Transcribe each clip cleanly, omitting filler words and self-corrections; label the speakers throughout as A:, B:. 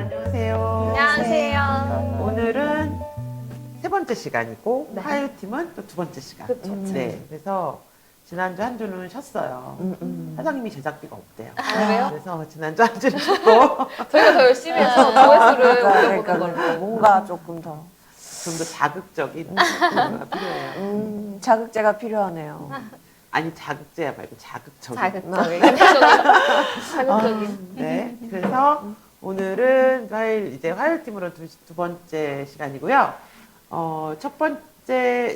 A: 안녕하세요.
B: 안녕하세요.
A: 오늘은 세 번째 시간이고
B: 네.
A: 화요팀은 또 두 번째 시간.
B: 그쵸.
A: 네, 그래서 지난주 한 주는 쉬었어요. 사장님이 제작비가 없대요.
B: 왜요?
A: 그래서 지난주 한 주는 쉬고
B: 저희가 더 열심히 해서 조회수를 올려보는
C: 그러니까
B: 걸로.
C: 뭔가 조금 더
A: 좀 더 자극적인 거가 필요해요.
C: 자극제가 필요하네요.
A: 아니 자극제야 말고 자극적인.
B: 자극적인. 자극적인.
A: 네, 그래서 오늘은 화요일팀으로 두 번째 시간이고요. 첫 번째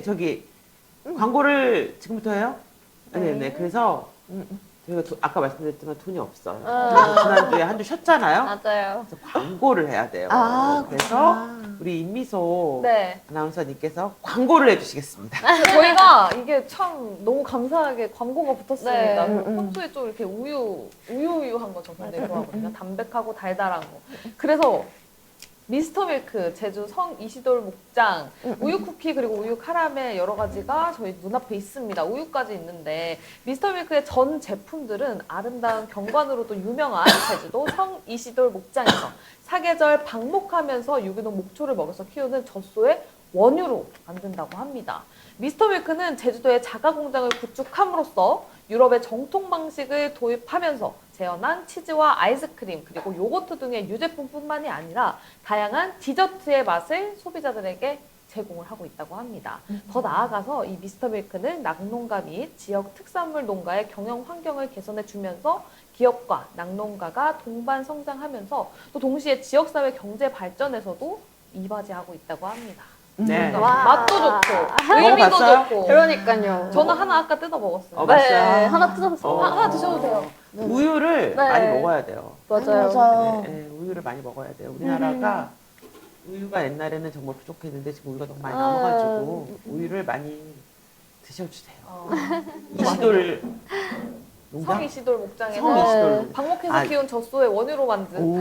A: 광고를 지금부터 해요? 네. 그래서 저희가 아까 말씀드렸지만 돈이 없어요. 지난주에 한 주 쉬었잖아요.
B: 맞아요.
A: 그래서 광고를 해야 돼요.
C: 아,
A: 그래서 우리 임미소
B: 네.
A: 아나운서님께서 광고를 해주시겠습니다.
D: 저희가 이게 참 너무 감사하게 광고가 붙었습니다.
B: 네.
D: 평소에 좀 이렇게 우유한 거 저 굉장히 좋아하거든요. 담백하고 달달한 거. 그래서 미스터밀크, 제주 성 이시돌 목장, 우유 쿠키 그리고 우유 카라멜 여러 가지가 저희 눈앞에 있습니다. 우유까지 있는데 미스터밀크의 전 제품들은 아름다운 경관으로도 유명한 제주도 성 이시돌 목장에서 사계절 방목하면서 유기농 목초를 먹여서 키우는 젖소의 원유로 만든다고 합니다. 미스터밀크는 제주도의 자가 공장을 구축함으로써 유럽의 정통 방식을 도입하면서 재현한 치즈와 아이스크림 그리고 요거트 등의 유제품뿐만이 아니라 다양한 디저트의 맛을 소비자들에게 제공을 하고 있다고 합니다. 더 나아가서 이 미스터밀크는 낙농가 및 지역 특산물 농가의 경영 환경을 개선해 주면서 기업과 낙농가가 동반 성장하면서 또 동시에 지역사회 경제 발전에서도 이바지하고 있다고 합니다.
A: 네.
B: 와.
D: 맛도 좋고 의미도
A: 먹어봤어요?
D: 좋고.
B: 그러니까요.
D: 저는 하나 아까 뜯어 먹었어요.
B: 네.
A: 맛있어요?
B: 하나 뜯어서.
D: 하나 드셔도 돼요.
A: 우유를
B: 네.
A: 많이 먹어야 돼요.
B: 맞아요.
A: 네, 우유를 많이 먹어야 돼요. 우리나라가 우유가 옛날에는 정말 부족했는데 지금 우유가 너무 많이 남아가지고 우유를 많이 드셔주세요. 이시돌 농장?
D: 성이시돌 목장에서
A: 성이시돌.
D: 방목해서
A: 아.
D: 키운 젖소의 원유로 만든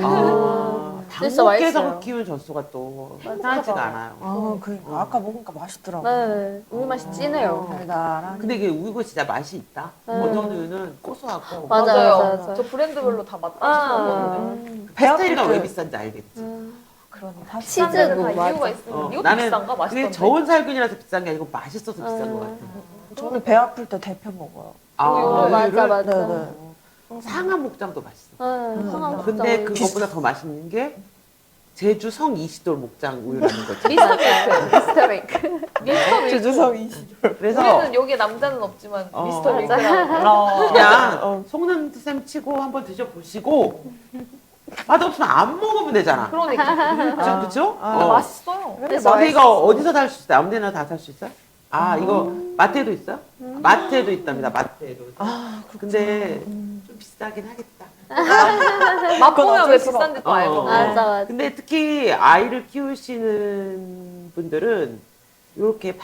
B: 진짜
A: 방목에서
B: 맛있어요.
A: 키운 젖소가 또 흔하지가 않아요.
C: 아, 그러니까 아까 먹으니까 맛있더라고.
B: 네. 우유 맛이 진해요.
C: 달달한.
A: 근데 이게 우유가 진짜 맛이 있다. 어떤 우유는 고소하고
B: 맞아요.
D: 저 브랜드별로 다 맛
B: 아.
D: 맛있었거든요.
A: 스테이가 왜 비싼지 알겠지.
D: 그러니까
B: 치즈도
D: 다
B: 맞아.
D: 이유가 있으면 이것도
A: 나는
D: 비싼가
A: 그게
D: 맛있던데.
A: 저온 살균이라서 비싼 게 아니고 맛있어서 비싼 것 같아.
C: 저는 배 아플 때 데펴 먹어요.
B: 맞아,
A: 우유를
B: 맞아.
C: 네네.
A: 상암 목장도 맛있어.
B: 하나
A: 근데 그것보다 더 맛있는 게 제주 성 이시돌 목장 우유라는 거지.
D: 미스터밀크.
B: 미스터밀크.
D: 미스터밀크.
C: 제주성 이시돌.
A: 그래서
D: 우리는 여기에 남자는 없지만
A: 어.
D: 미스터밀크라고.
A: 그냥 속는 셈 치고 한번 드셔보시고 맛없으면 안 먹으면 되잖아.
D: 그러니까.
A: 그죠?
D: 맛있어요.
A: 근데 이거 어디서 살 수 있어요? 아무 데나 다 살 수 있어요? 아, 이거 마트에도 있어요? 마트에도 있답니다. 마트에도. 근데 좀 비싸긴 하겠다.
D: 맛보면 왜
C: 어쩔 수가
D: 비싼지 또 알고.
B: 맞아.
A: 근데 특히 아이를 키우시는 분들은 이렇게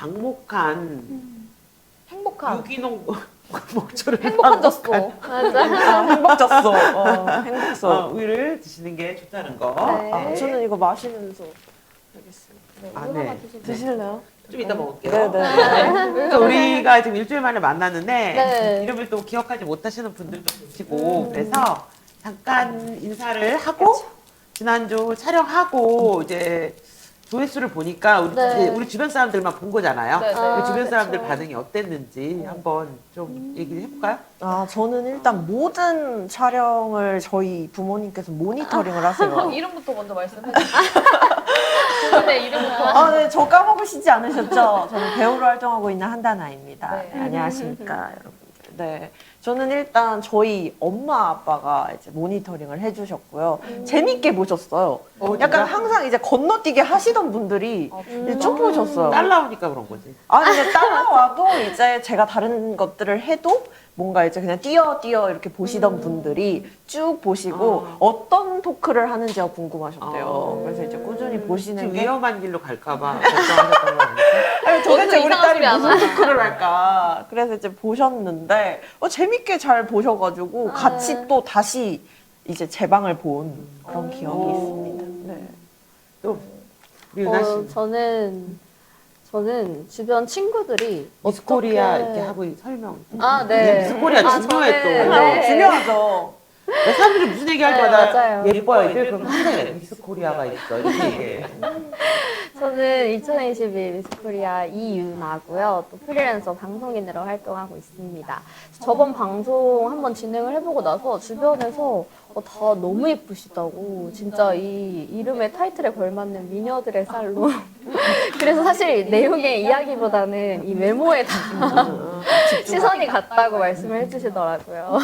A: 방목한
D: 행복한.
A: 유기농 목초를
D: 행복한 젖소.
B: 맞아.
C: 행복졌어. 행복했어.
A: 우유를 드시는 게 좋다는 거.
B: 네.
C: 아, 저는 이거 마시면서 알겠습니다.
A: 아, 네.
C: 드실래요?
A: 좀 이따 먹을게요.
C: 네네.
A: 그래서 우리가 지금 일주일 만에 만났는데
B: 네.
A: 이름을 또 기억하지 못하시는 분들도 계시고 그래서 잠깐 인사를 하고 지난주 촬영하고 이제 조회수를 보니까
B: 네.
A: 우리 주변 사람들만 본 거잖아요.
D: 네, 네.
A: 그 주변
B: 그쵸.
A: 사람들 반응이 어땠는지 한번 좀 얘기를 해볼까요?
C: 아, 저는 일단 모든 촬영을 저희 부모님께서 모니터링을 하세요.
D: 이름부터 먼저 말씀해 주세요. 그분의 이름부터.
C: 아, 네, 저 까먹으시지 않으셨죠? 저는 배우로 활동하고 있는 한다나입니다.
D: 네.
C: 안녕하십니까, 여러분들. 네. 저는 일단 저희 엄마 아빠가 이제 모니터링을 해주셨고요. 재밌게 보셨어요. 약간 항상 이제 건너뛰기 하시던 분들이 이제 쭉 보셨어요.
A: 딸 나오니까 그런 거지.
C: 아, 근데 따라와도 이제 제가 다른 것들을 해도 뭔가 이제 그냥 띄어 이렇게 보시던 분들이 쭉 보시고 어떤 토크를 하는지가 궁금하셨대요. 그래서 이제 꾸준히 보시는
A: 지금
C: 게
A: 위험한 길로 갈까봐 걱정하셨던 거 아니에요?
C: 아니, 도대체
D: 어디서
C: 우리
D: 이상한
C: 딸이
D: 소리 안
C: 무슨 토크를 할까? 그래서 이제 보셨는데 재밌게 잘 보셔가지고 같이 또 다시 이제 제 방을 본 그런 기억이 있습니다. 네.
A: 또 우리 은하 씨
B: 저는 주변 친구들이
A: 미스코리아
B: 어떻게-
A: 이렇게 하고 설명.
B: 아, 네.
A: 미스코리아 중요해 또.
B: 저는- 네.
C: 중요하죠.
A: 그러니까 사람들이 무슨 얘기할
B: 네,
A: 때마다
B: 맞아요.
A: 예뻐 애들 그럼 한대 미스 코리아가 있어 이렇게 얘기해.
B: 저는 2022 미스코리아 이유나고요. 또 프리랜서 방송인으로 활동하고 있습니다. 저번 방송 한번 진행을 해보고 나서 주변에서 다 너무 예쁘시다고 진짜 이 이름의 타이틀에 걸맞는 미녀들의 쌀로 그래서 사실 내용의 이야기보다는 이 외모에 다 시선이 갔다고 말씀을 해주시더라고요.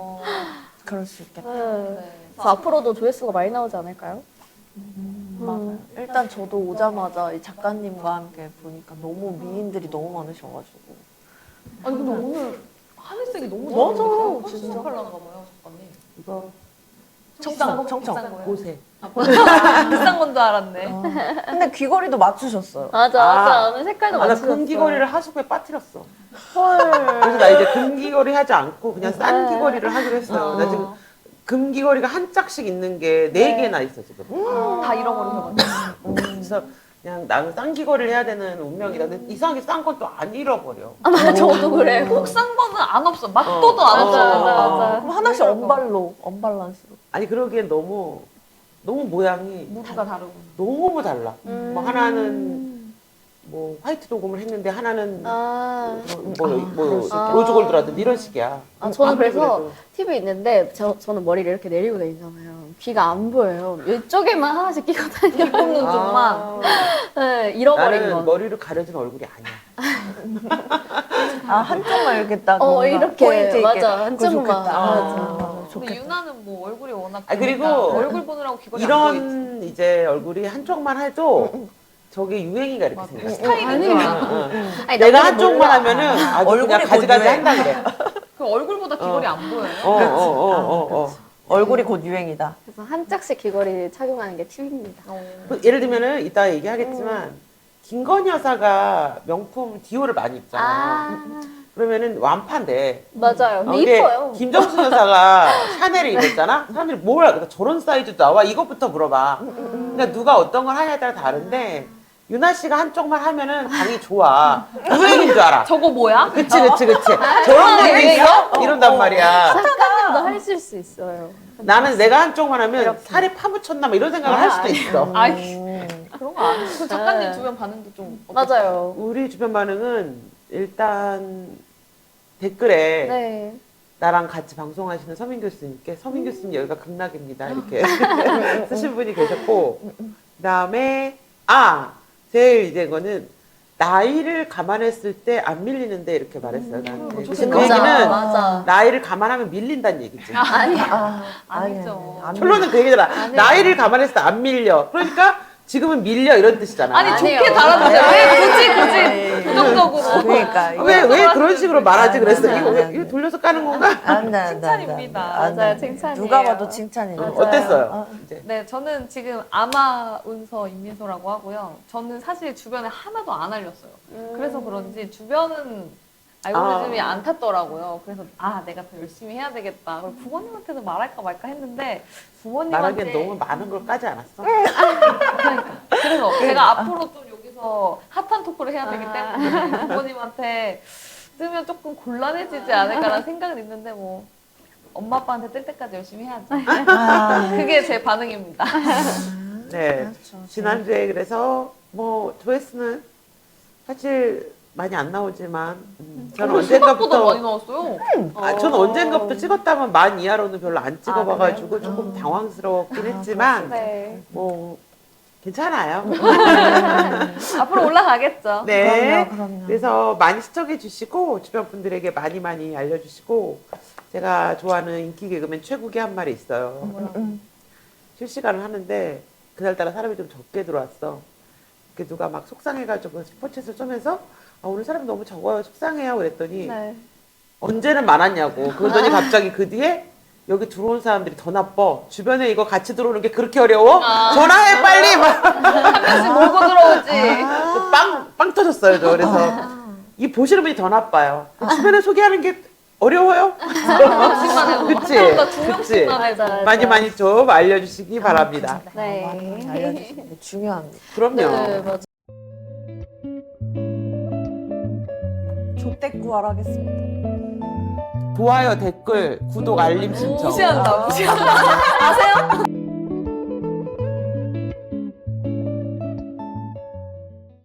C: 그럴 수 있겠다.
B: 그래서 앞으로도 조회수가 많이 나오지 않을까요?
C: 맞아요. 일단 저도 오자마자 이 작가님과 함께 보니까 너무 미인들이 너무 많으셔가지고.
D: 아니 근데 오늘 하늘색이 너무
C: 맞아요,
D: 진짜
C: 진짜.
D: 컬러인가 봐요, 작가님.
A: 이거
C: 청청,
D: 비싼
C: 청청.
D: 거예요?
A: 고세.
D: 비싼 건 줄 알았네.
C: 근데 귀걸이도 맞추셨어요.
B: 맞아,
A: 아.
B: 맞아. 오늘 색깔도
A: 나
B: 맞추셨어요.
A: 금귀걸이를 하수구에 빠뜨렸어.
C: 헐.
A: 그래서 나 이제 금귀걸이 하지 않고 그냥 싼 귀걸이를 하기로 했어요. 나 지금 금귀걸이가 한 짝씩 있는 게 네 개나 있어 지금.
D: 다 잃어버리셔가지고.
A: 그래서 그냥 나는 싼 귀걸이를 해야 되는 운명이다. 근데 이상하게 싼 건 또 안 잃어버려.
B: 아, 맞아, 저도 그래요.
D: 꼭 싼 거는 안 없어. 막도도 안
B: 맞아,
D: 없어.
B: 맞아, 맞아.
C: 그럼 하나씩 언발로, 언발란스로.
A: 아니 그러기엔 너무 모양이
D: 무드가 다르고.
A: 너무 달라. 뭐 하나는 뭐 화이트 도금을 했는데 하나는
B: 그럴 수 있겠다.
A: 로즈 골드라든지 이런 식이야.
B: 저는
A: 아무리
B: 그래서
A: 그래도.
B: 팁이 있는데 저는 머리를 이렇게 내리고 다니잖아요. 귀가 안 보여요. 이쪽에만 하나씩 끼고 다녀요.
D: 뽑는 쪽만.
B: 네, 잃어버린
A: 나는
B: 거.
A: 머리를 가려진 얼굴이 아니야.
C: 아, 한쪽만 이렇게 딱. 뭔가
B: 이렇게.
C: 포인트 있게.
B: 맞아,
C: 그거
B: 한쪽만.
C: 좋겠다.
B: 맞아.
D: 근데
C: 좋겠다.
D: 유나는 뭐 얼굴이 워낙
A: 아, 그리고
D: 크니까 얼굴 보느라고 귀걸이 안 보이지.
A: 이런 이제 얼굴이 한쪽만 해도 저게 유행이가 이렇게
D: 맞아.
A: 생겼어.
D: 스타일이
B: 아니,
A: 내가
B: 남들은
A: 한쪽만
B: 몰라.
A: 하면은 아주
C: 얼굴이
A: 그냥 가지가지
C: 곧
A: 한다 그래.
D: 그 얼굴보다 귀걸이 안 보여요.
C: 얼굴이 곧 유행이다.
B: 그래서 한 짝씩 귀걸이 착용하는 게 팁입니다.
A: 예를 들면은 이따 얘기하겠지만 김건희 여사가 명품 디오를 많이 입잖아. 그러면은 완판돼.
B: 맞아요. 근데
A: 근데
B: 이뻐요.
A: 김정수 여사가 샤넬을 입었잖아. 사람들이 뭘 알까? 저런 사이즈도 나와. 이것부터 물어봐. 그러니까 누가 어떤 걸 하냐에 따라 다른데 유나 씨가 한쪽만 하면은 당이 좋아. 유행인 줄 알아.
D: 저거 뭐야?
A: 그치. 저런 것도 있어? 이런단 말이야.
B: 작가님도 하실 수 있어요.
A: 나는 내가 한쪽만 하면 살에 파묻혔나 뭐 이런 생각을 할 수도 있어.
D: 아이 그런 거 아니야. 그 작가님 주변 반응도 좀 어땠어요?
B: 맞아요.
A: 우리 주변 반응은 일단 댓글에
B: 네.
A: 나랑 같이 방송하시는 서민 교수님께 서민 교수님 여기가 극락입니다 이렇게 쓰신 분이 계셨고 그다음에 제일 이제 이거는 나이를 감안했을 때 안 밀리는데 이렇게 말했어요 나한테. 그래서 그
B: 맞아,
A: 얘기는
B: 맞아.
A: 나이를 감안하면 밀린다는 얘기지.
D: 아니죠.
A: 결론은 그 얘기잖아. 나이를 감안했을 때 안 밀려. 그러니까 지금은 밀려 이런 뜻이잖아.
D: 아니
B: 아니에요.
D: 좋게 달아주세요. 왜 굳이 부정적으로.
C: 그러니까.
A: 왜 그런 식으로 말하지
C: 안 돼,
A: 그랬어?
C: 안
A: 이거
C: 돼, 안
A: 이거
C: 돼.
A: 돌려서 까는 건가?
C: 안 돼, 안 돼,
D: 칭찬입니다.
C: 안 돼, 안 돼.
B: 맞아요, 칭찬이에요.
C: 누가 봐도 칭찬이에요.
B: 맞아요.
A: 어땠어요? 이제.
D: 네, 저는 지금 아마운서 임민소라고 하고요. 저는 사실 주변에 하나도 안 알렸어요. 그래서 그런지 주변은 알고리즘이 안 탔더라고요. 그래서 내가 더 열심히 해야 되겠다. 그리고 부모님한테도 말할까 말까 했는데 부모님한테
A: 말하기엔 너무 많은 걸 까지 않았어?
D: 그래서 제가 앞으로 좀 여기서 핫한 토크를 해야 되기 때문에 부모님한테 뜨면 조금 곤란해지지 않을까라는 생각은 있는데 뭐 엄마 아빠한테 뜰 때까지 열심히 해야죠. 그게 제 반응입니다.
A: 네.
C: 그렇죠.
A: 지난주에 그래서 뭐 조회수는 사실 많이 안 나오지만 저는
D: 생각보다 많이
A: 언젠가부터
D: 나왔어요.
A: 저는 언젠가부터 찍었다면 10,000 이하로는 별로 안 찍어봐가지고 조금 당황스러웠긴 했지만
B: 네.
A: 뭐 괜찮아요.
D: 앞으로 올라가겠죠.
A: 네.
C: 그럼요.
A: 그래서 많이 시청해 주시고 주변 분들에게 많이 알려주시고 제가 좋아하는 인기 개그맨 최국이 한 말이 있어요. 실시간을 하는데 그날따라 사람이 좀 적게 들어왔어. 그 누가 막 속상해가지고 스포츠에서 쏘면서 오늘 사람이 너무 적어요 속상해요 그랬더니
B: 네.
A: 언제는 많았냐고 그러더니 갑자기 그 뒤에 여기 들어온 사람들이 더 나빠 주변에 이거 같이 들어오는 게 그렇게 어려워? 전화해 빨리 막
D: 한 명씩 몰고 들어오지.
A: 빵 터졌어요 저 그래서 이 보시는 분이 더 나빠요 주변에 소개하는 게 어려워요?
D: 한 명씩만 해도
A: 그치?
D: 한 명보다 두
A: 그치?
D: 명씩만 해도.
A: 많이 좀 알려주시기 바랍니다
B: 네.
C: 많이 알려주시는 게 중요합니다.
A: 그럼요
B: 네, 맞아.
C: 족대꾸알 하겠습니다.
A: 좋아요, 댓글, 구독, 알림 신청.
D: 무시한다. 아세요?